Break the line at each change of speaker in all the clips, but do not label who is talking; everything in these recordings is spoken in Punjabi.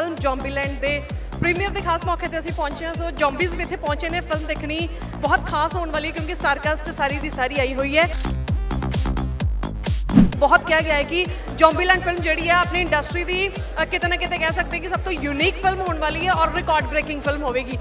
ਫਿਲਮ ਜ਼ੋਂਬੀਲੈਂਡ ਦੇ ਪ੍ਰੀਮੀਅਰ ਦੇ ਖਾਸ ਮੌਕੇ ਤੇ ਅਸੀਂ ਪਹੁੰਚੇ ਹਾਂ। ਸੋ ਜ਼ੋਂਬੀਜ਼ ਵੀ ਇੱਥੇ ਪਹੁੰਚੇ ਨੇ। ਫਿਲਮ ਦੇਖਣੀ ਬਹੁਤ ਖਾਸ ਹੋਣ ਵਾਲੀ ਕਿਉਂਕਿ ਸਟਾਰਕਾਸਟ ਸਾਰੀ ਦੀ ਸਾਰੀ ਆਈ ਹੋਈ ਹੈ। ਬਹੁਤ ਕਿਹਾ ਗਿਆ ਹੈ ਕਿ ਜ਼ੋਂਬੀਲੈਂਡ ਫਿਲਮ ਜਿਹੜੀ ਹੈ ਆਪਣੀ ਇੰਡਸਟਰੀ ਦੀ ਕਿਤੇ ਨਾ ਕਿਤੇ ਕਹਿ ਸਕਦੇ ਕਿ ਸਭ ਤੋਂ ਯੂਨੀਕ ਫਿਲਮ ਹੋਣ ਵਾਲੀ ਹੈ ਔਰ ਰਿਕਾਰਡ ਬ੍ਰੇਕਿੰਗ ਫਿਲਮ ਹੋਵੇਗੀ।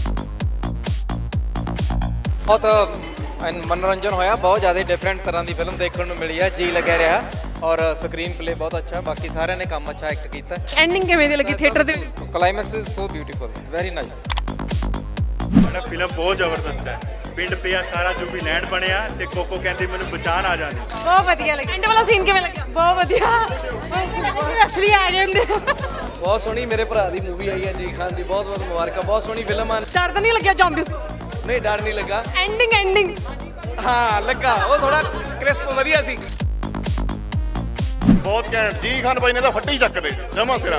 ਬਹੁਤ मनोरंजन होया, बहुत ज़्यादा डिफरेंट तरह की फिल्म देखने को मिली है, जी लगे रहा और स्क्रीन प्ले बहुत अच्छा, बाकी सारे ने काम अच्छा एक्ट किया।
एंडिंग किवें दी लगी थिएटर दे?
Climax is so beautiful, very nice.
Film बहुत जबरदस्त है। पिंड पिया सारा जो भी लैंड बनया ते कोको कहती मैंने बचान आ जाने।
बहुत बढ़िया लगी। एंड वाला सीन किवें लगा? बहुत बढ़िया, असली आ जांदे।
बहुत सोहनी मेरे भरा दी मूवी आई है जी खान दी, बहुत बहुत मुबारक। बहुत सोहनी फिल्म है।
डर तो नहीं लग्या ਜ਼ੋਂਬੀਜ਼ ਤੋਂ?
नहीं डर नहीं लगा।
एंडिंग
हाँ लगा, वो थोड़ा क्रिस्प वधिया सी।
बहुत घैंट जी खान भाई ने तो फट्टी चक दे जमा सिरा।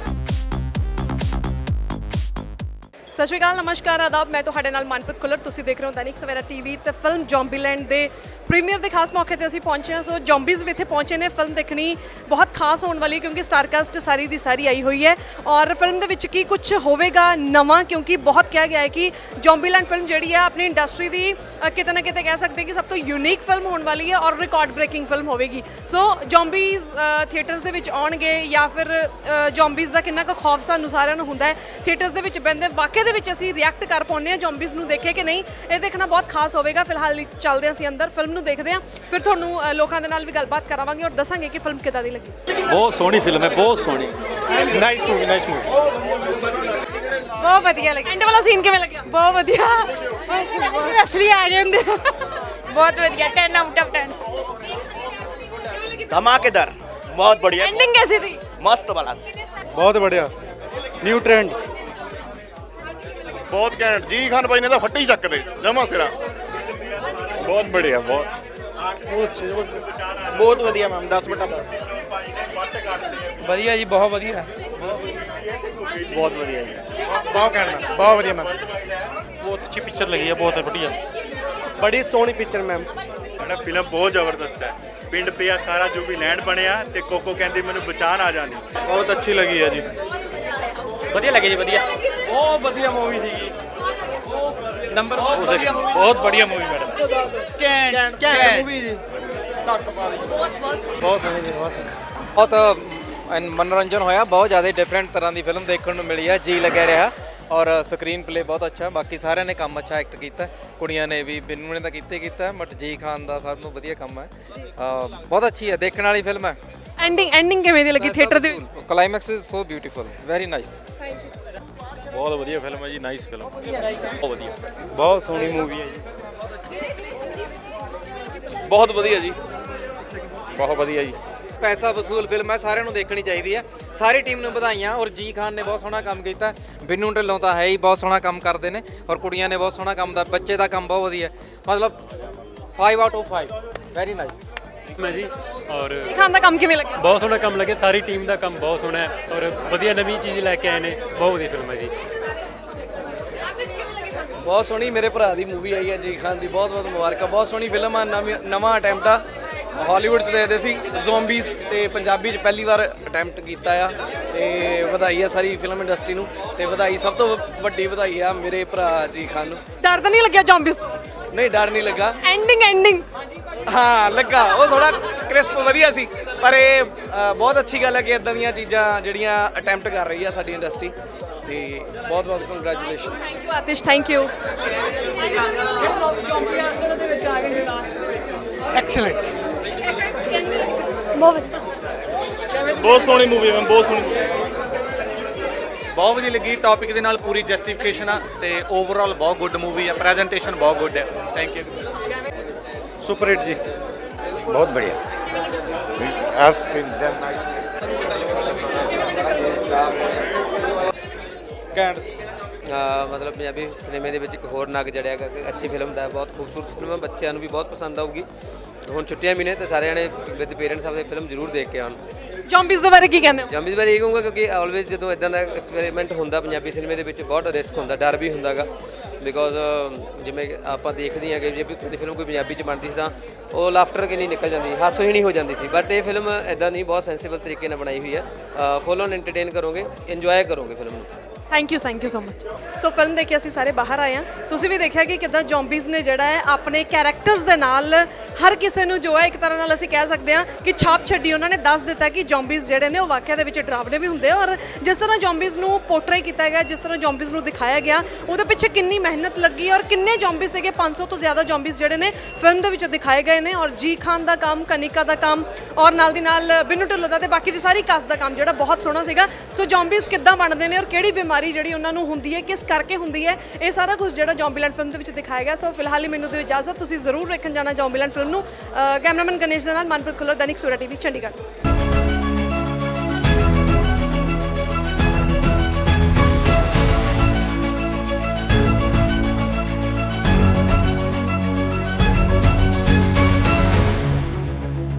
ਸਤਿ ਸ਼੍ਰੀ ਅਕਾਲ, ਨਮਸਕਾਰ, ਆਦਾਬ। ਮੈਂ ਤੁਹਾਡੇ ਨਾਲ ਮਨਪ੍ਰੀਤ ਖੁੱਲਰ। ਤੁਸੀਂ ਦੇਖ ਰਹੇ ਹੋ ਦੈਨਿਕ ਸਵੇਰਾ ਟੀਵੀ ਤੇ ਫਿਲਮ ਜ਼ੋਂਬੀਲੈਂਡ ਦੇ ਪ੍ਰੀਮੀਅਰ ਦੇ ਖਾਸ ਮੌਕੇ ਤੇ ਅਸੀਂ ਪਹੁੰਚੇ ਹਾਂ। ਸੋ ਜ਼ੋਂਬੀਜ਼ ਵੀ ਇੱਥੇ ਪਹੁੰਚੇ ਨੇ। ਫਿਲਮ ਦੇਖਣੀ ਬਹੁਤ ਖਾਸ ਹੋਣ ਵਾਲੀ ਕਿਉਂਕਿ ਸਟਾਰਕਾਸਟ ਸਾਰੀ ਦੀ ਸਾਰੀ ਆਈ ਹੋਈ ਹੈ ਔਰ ਫਿਲਮ ਦੇ ਵਿੱਚ ਕੀ ਕੁਝ ਹੋਵੇਗਾ ਨਵਾਂ, ਕਿਉਂਕਿ ਬਹੁਤ ਕਿਹਾ ਗਿਆ ਹੈ ਕਿ ਜ਼ੋਂਬੀਲੈਂਡ ਫਿਲਮ ਜਿਹੜੀ ਹੈ ਆਪਣੀ ਇੰਡਸਟਰੀ ਦੀ ਕਿਤੇ ਨਾ ਕਿਤੇ ਕਹਿ ਸਕਦੇ ਕਿ ਸਭ ਤੋਂ ਯੂਨੀਕ ਫਿਲਮ ਹੋਣ ਵਾਲੀ ਹੈ ਔਰ ਰਿਕਾਰਡ ਬ੍ਰੇਕਿੰਗ ਫਿਲਮ ਹੋਵੇਗੀ। ਸੋ ਜ਼ੋਂਬੀਜ਼ ਥੀਏਟਰਸ ਦੇ ਵਿੱਚ ਆਉਣਗੇ ਜਾਂ ਫਿਰ ਜ਼ੋਂਬੀਜ਼ ਦਾ ਕਿੰਨਾ ਕੁ ਖੌਫ ਸਾਨੂੰ ਸਾਰਿਆਂ ਨੂੰ ਹੁੰਦਾ ਹੈ ਥੀਏਟਰਸ ਦੇ ਵਿੱਚ ਬਹਿੰਦੇ ਵਾਕਈ ਦੇ ਵਿੱਚ ਅਸੀਂ ਰਿਐਕਟ ਕਰ ਪਾਉਂਦੇ ਹਾਂ ਜ਼ੋਂਬੀਜ਼ ਨੂੰ ਦੇਖੇ ਕਿ ਨਹੀਂ, ਇਹ ਦੇਖਣਾ ਬਹੁਤ ਖਾਸ ਹੋਵੇਗਾ। ਫਿਲਹਾਲ ਚੱਲਦੇ ਹਾਂ ਅਸੀਂ ਅੰਦਰ, ਫਿਲਮ ਨੂੰ ਦੇਖਦੇ ਹਾਂ, ਫਿਰ ਤੁਹਾਨੂੰ ਲੋਕਾਂ ਦੇ ਨਾਲ ਵੀ ਗੱਲਬਾਤ ਕਰਾਵਾਂਗੇ ਔਰ ਦੱਸਾਂਗੇ ਕਿ ਫਿਲਮ ਕਿੱਦਾਂ ਦੀ ਲੱਗੀ।
ਬਹੁਤ ਸੋਹਣੀ ਫਿਲਮ ਹੈ, ਬਹੁਤ ਸੋਹਣੀ, ਨਾਈਸ ਮੂਵੀ, ਨਾਈਸ ਮੂਵੀ,
ਬਹੁਤ ਵਧੀਆ ਲੱਗੀ। ਐਂਡ ਵਾਲਾ ਸੀਨ ਕਿਵੇਂ ਲੱਗਿਆ? ਬਹੁਤ ਵਧੀਆ, ਅਸਲੀ ਆ ਜਾਂਦੇ। ਬਹੁਤ ਵਧੀਆ, 10 ਆਊਟ ਆਫ 10।
धमाकेदार, बहुत बढ़िया,
एंडिंग कैसी थी?
मस्त वाला,
बहुत बढ़िया, न्यू ट्रेंड, बहुत घैंट जी खान भाई ने तो फट्टी चक दे जमा सिरा।
ਬਹੁਤ बढ़िया,
बहुत बढ़िया मैम, 10/10
ਵਧੀਆ ਜੀ, ਬਹੁਤ ਵਧੀਆ।
बहुत बढ़िया जी,
ਬਹੁਤ ਕਹਿਣਾ, ਬਹੁਤ ਵਧੀਆ ਮੈਮ। ਬਹੁਤ ਅੱਛੀ ਪਿਕਚਰ ਲੱਗੀ ਹੈ, ਬਹੁਤ ਵਧੀਆ, ਬੜੀ ਸੋਹਣੀ ਪਿਕਚਰ ਮੈਮ।
फिल्म बहुत जबरदस्त है। पिंड पिया सारा जो भी लैंड बनया ते कोको कहती मैंने बचान आ जाने।
ਬਹੁਤ ਅੱਛੀ ਲੱਗੀ ਹੈ ਜੀ,
ਵਧੀਆ ਲੱਗੀ ਜੀ, ਵਧੀਆ, ਬਹੁਤ ਵਧੀਆ ਮੂਵੀ ਸੀਗੀ। ਨੰਬਰ ਬਹੁਤ ਵਧੀਆ ਮੂਵੀ ਮੈਡਮ, ਕੈਂਟ ਮੂਵੀ ਜੀ, ਧੱਕ ਪਾ ਦੀ, ਬਹੁਤ ਸੋਹਣੀ ਜੀ, ਬਹੁਤ ਸੋਹਣੀ।
बहुत मनोरंजन होया, बहुत ज़्यादा डिफरेंट तरह की फिल्म देखने को मिली है, जी लगे रहा और स्क्रीन प्ले बहुत अच्छा, बाकी सारे ने काम अच्छा एक्ट किया। कुड़ियां ने भी, बिन्नू ने तो किया बट जी खान का सब नूं वधिया काम है। बहुत अच्छी है, देखने वाली फिल्म है।
एंडिंग किवें दी लगी थिएटर दे?
Climax is so beautiful, very nice.
ਬਹੁਤ ਵਧੀਆ ਫਿਲਮ ਹੈ ਜੀ, ਨਾਈਸ ਫਿਲਮ, ਬਹੁਤ ਵਧੀਆ,
ਬਹੁਤ ਸੋਹਣੀ ਮੂਵੀ ਹੈ ਜੀ,
ਬਹੁਤ ਵਧੀਆ ਜੀ,
बहुत वधिया जी। पैसा वसूल फिल्म है, सारे देखनी चाहिए है। सारी टीम ने बधाइयाँ और जी खान ने बहुत सोहना काम किया। बिन्नू ढिल्लों तो है ही बहुत सोहना काम करते हैं और कुड़ियां ने बहुत सोहना काम दा, बच्चे का काम बहुत वधिया, मतलब 5 आउट ऑफ 5, वेरी नाइस।
ਮੈਂ ਜੀ ਔਰ
ਜੀ ਖਾਨ ਦਾ ਕੰਮ ਕਿਵੇਂ ਲੱਗਿਆ?
ਬਹੁਤ ਸੋਹਣਾ ਕੰਮ ਲੱਗਿਆ, ਸਾਰੀ ਟੀਮ ਦਾ ਕੰਮ ਬਹੁਤ ਸੋਹਣਾ ਹੈ ਔਰ ਵਧੀਆ ਨਵੀਂ ਚੀਜ਼ ਲੈ ਕੇ ਆਏ ਨੇ, ਬਹੁਤ ਵਧੀਆ ਫਿਲਮ ਹੈ ਜੀ।
ਬਹੁਤ ਸੋਹਣੀ ਮੇਰੇ ਭਰਾ ਦੀ ਮੂਵੀ ਆਈ ਹੈ ਜੀ ਖਾਨ ਦੀ, ਬਹੁਤ ਬਹੁਤ ਮੁਬਾਰਕ। ਬਹੁਤ ਸੋਹਣੀ ਫਿਲਮ ਆ, ਨਵਾਂ ਅਟੈਂਪਟ ਆ। ਹਾਲੀਵੁੱਡ 'ਚ ਦੇਖਦੇ ਸੀ ਜ਼ੋਂਬੀਜ਼ ਤੇ ਪੰਜਾਬੀ 'ਚ ਪਹਿਲੀ ਵਾਰ ਅਟੈਂਪਟ ਕੀਤਾ ਆ ਤੇ ਵਧਾਈ ਆ ਸਾਰੀ ਫਿਲਮ ਇੰਡਸਟਰੀ ਨੂੰ ਤੇ ਵਧਾਈ, ਸਭ ਤੋਂ ਵੱਡੀ ਵਧਾਈ ਆ ਮੇਰੇ ਭਰਾ ਜੀ ਖਾਨ ਨੂੰ।
ਡਰ ਤਾਂ ਨਹੀਂ ਲੱਗਿਆ ਜ਼ੋਂਬੀਜ਼ ਤੋਂ?
ਨਹੀਂ ਡਰ ਨਹੀਂ ਲੱਗਾ।
एंडिंग
ਹਾਂ ਲੱਗਾ, ਉਹ ਥੋੜਾ ਕ੍ਰਿਸਪ ਵਧੀਆ ਸੀ, ਪਰ ਇਹ ਬਹੁਤ ਅੱਛੀ ਗੱਲ ਹੈ ਕਿ ਇਦਾਂ ਦੀਆਂ ਚੀਜ਼ਾਂ ਜਿਹੜੀਆਂ ਅਟੈਂਪਟ ਕਰ ਰਹੀ ਆ ਸਾਡੀ ਇੰਡਸਟਰੀ ਤੇ ਬਹੁਤ ਬਹੁਤ congratulations.
Thank you Atish, thank you.
Excellent,
ਬਹੁਤ ਸੋਹਣੀ ਮੂਵੀ ਹੈ, ਬਹੁਤ ਸੋਹਣੀ,
ਬਹੁਤ ਵਧੀਆ ਲੱਗੀ। ਟੌਪਿਕ ਦੇ ਨਾਲ ਪੂਰੀ ਜਸਟੀਫਿਕੇਸ਼ਨ ਆ ਤੇ ਓਵਰਆਲ ਬਹੁਤ ਗੁੱਡ ਮੂਵੀ ਆ, ਪ੍ਰੈਜੈਂਟੇਸ਼ਨ ਬਹੁਤ ਗੁੱਡ ਹੈ। Thank you.
सुपर हिट जी,
बहुत बढ़िया,
घैंट।
मतलब पंजाबी सिनेमे ਦੇ ਵਿੱਚ ਇੱਕ ਹੋਰ ਨਗ ਜੜਿਆ ਗਾ ਕਿ ਅੱਛੀ ਫਿਲਮ ਦਾ, ਬਹੁਤ ਖੂਬਸੂਰਤ ਫਿਲਮ ਹੈ, ਬੱਚਿਆਂ ਨੂੰ ਵੀ ਬਹੁਤ ਪਸੰਦ ਆਊਗੀ। ਹੁਣ ਛੁੱਟੀਆਂ ਵੀ ਨੇ ਤੇ ਸਾਰਿਆਂ ਨੇ ਵਿਦ ਪੇਰੈਂਟਸ ਆਪਦੇ ਫਿਲਮ ਜ਼ਰੂਰ ਦੇਖ ਕੇ ਆਉਣ।
ਜ਼ੋਂਬੀਜ਼ ਦੇ ਬਾਰੇ ਕੀ ਕਹਿੰਦੇ ਹੋ?
ਜੰਬੀਜ਼ ਬਾਰੇ ਇਹ ਕਹੂੰਗਾ ਕਿਉਂਕਿ ਆਲਵੇਜ਼ ਜਦੋਂ ਇਦਾਂ ਦਾ ਐਕਸਪੈਰੀਮੈਂਟ ਹੁੰਦਾ ਪੰਜਾਬੀ ਸਿਨੇਮੇ ਦੇ ਵਿੱਚ ਬਹੁਤ ਰਿਸਕ ਹੁੰਦਾ, ਡਰ ਵੀ ਹੁੰਦਾਗਾ ਬਿਕੋਜ਼ ਜਿਵੇਂ ਆਪਾਂ ਦੇਖਦੇ ਹਾਂ ਕਿ ਜੇ ਵੀ ਤੁਹਾਡੀ ਫਿਲਮ ਕੋਈ ਪੰਜਾਬੀ 'ਚ ਬਣਦੀ ਸੀ ਤਾਂ ਉਹ ਲਾਫਟਰ ਕਿੰਨੀ ਨਿਕਲ ਜਾਂਦੀ, ਹਾਸੋਹੀਣੀ ਹੋ ਜਾਂਦੀ ਸੀ, ਬਟ ਇਹ ਫਿਲਮ ਇਦਾਂ ਨਹੀਂ, ਬਹੁਤ ਸੈਂਸੀਬਲ ਤਰੀਕੇ ਨਾਲ ਬਣਾਈ ਹੋਈ ਹੈ। ਫੁੱਲ ਔਨ ਐਂਟਰਟੇਨ ਕਰੋਗੇ, ਇੰਜੋਏ ਕਰੋਗੇ ਫਿਲਮ ਨੂੰ।
Thank you so much. So film ਦੇਖ ਕੇ ਅਸੀਂ ਸਾਰੇ ਬਾਹਰ ਆਏ ਹਾਂ, ਤੁਸੀਂ ਵੀ ਦੇਖਿਆ ਕਿ ਕਿੱਦਾਂ ਜ਼ੋਂਬੀਜ਼ ਨੇ ਜਿਹੜਾ ਹੈ ਆਪਣੇ ਕੈਰੈਕਟਰਸ ਦੇ ਨਾਲ ਹਰ ਕਿਸੇ ਨੂੰ ਜੋ ਹੈ ਇੱਕ ਤਰ੍ਹਾਂ ਨਾਲ ਅਸੀਂ ਕਹਿ ਸਕਦੇ ਹਾਂ ਕਿ ਛਾਪ ਛੱਡੀ। ਉਹਨਾਂ ਨੇ ਦੱਸ ਦਿੱਤਾ ਕਿ ਜ਼ੋਂਬੀਜ਼ ਜਿਹੜੇ ਨੇ ਉਹ ਵਾਕਿਆ ਦੇ ਵਿੱਚ ਡਰਾਵਨੇ ਵੀ ਹੁੰਦੇ ਆ, ਔਰ ਜਿਸ ਤਰ੍ਹਾਂ ਜ਼ੋਂਬੀਜ਼ ਨੂੰ ਪੋਰਟਰੇ ਕੀਤਾ ਗਿਆ, ਜਿਸ ਤਰ੍ਹਾਂ ਜ਼ੋਂਬੀਜ਼ ਨੂੰ ਦਿਖਾਇਆ ਗਿਆ, ਉਹਦੇ ਪਿੱਛੇ ਕਿੰਨੀ ਮਿਹਨਤ ਲੱਗੀ ਔਰ ਕਿੰਨੇ ਜ਼ੋਂਬੀਜ਼ ਸੀਗੇ, 500 ਤੋਂ ਜ਼ਿਆਦਾ ਜ਼ੋਂਬੀਜ਼ ਜਿਹੜੇ ਨੇ ਫਿਲਮ ਦੇ ਵਿੱਚ ਦਿਖਾਏ ਗਏ ਨੇ। ਔਰ ਜੀ ਖਾਨ ਦਾ ਕੰਮ, ਕਨਿਕਾ ਦਾ ਕੰਮ ਔਰ ਨਾਲ ਦੀ ਨਾਲ ਬਿੰਨੂ ਢਿੱਲੋਂ ਦਾ ਤੇ ਬਾਕੀ ਦੀ ਸਾਰੀ ਕਾਸਟ ਦਾ ਕੰਮ ਜਿਹੜਾ ਬਹੁਤ ਸੋਹਣਾ ਸੀਗਾ। ਸੋ ਜ਼ੋਂਬੀਜ਼ ਕਿੱਦਾਂ ਬਣਦੇ ਨੇ ਔਰ ਕਿਹੜੀ ਬਿਮਾਰੀ ਜਿਹੜੀ ਉਹਨਾਂ ਨੂੰ ਹੁੰਦੀ ਹੈ, ਕਿਸ ਕਰਕੇ ਹੁੰਦੀ ਹੈ, ਇਹ ਸਾਰਾ ਕੁਝ ਜਿਹੜਾ ਜ਼ੋਂਬੀਲੈਂਡ ਫਿਲਮ ਦੇ ਵਿੱਚ ਦਿਖਾਇਆ ਗਿਆ। ਸੋ ਫਿਲਹਾਲ ਹੀ ਮੈਨੂੰ ਦਿਓ ਇਜਾਜ਼ਤ, ਤੁਸੀਂ ਜ਼ਰੂਰ ਵੇਖਣ ਜਾਣਾ ਜ਼ੋਂਬੀਲੈਂਡ ਫਿਲਮ ਨੂੰ। ਕੈਮਰਾਮੈਨ ਗਣੇਸ਼ ਦੇ ਨਾਲ ਮਨਪ੍ਰੀਤ ਖੁੱਲਰ, ਦੈਨਿਕ ਸਵੇਰਾ ਟੀਵੀ, ਚੰਡੀਗੜ੍ਹ।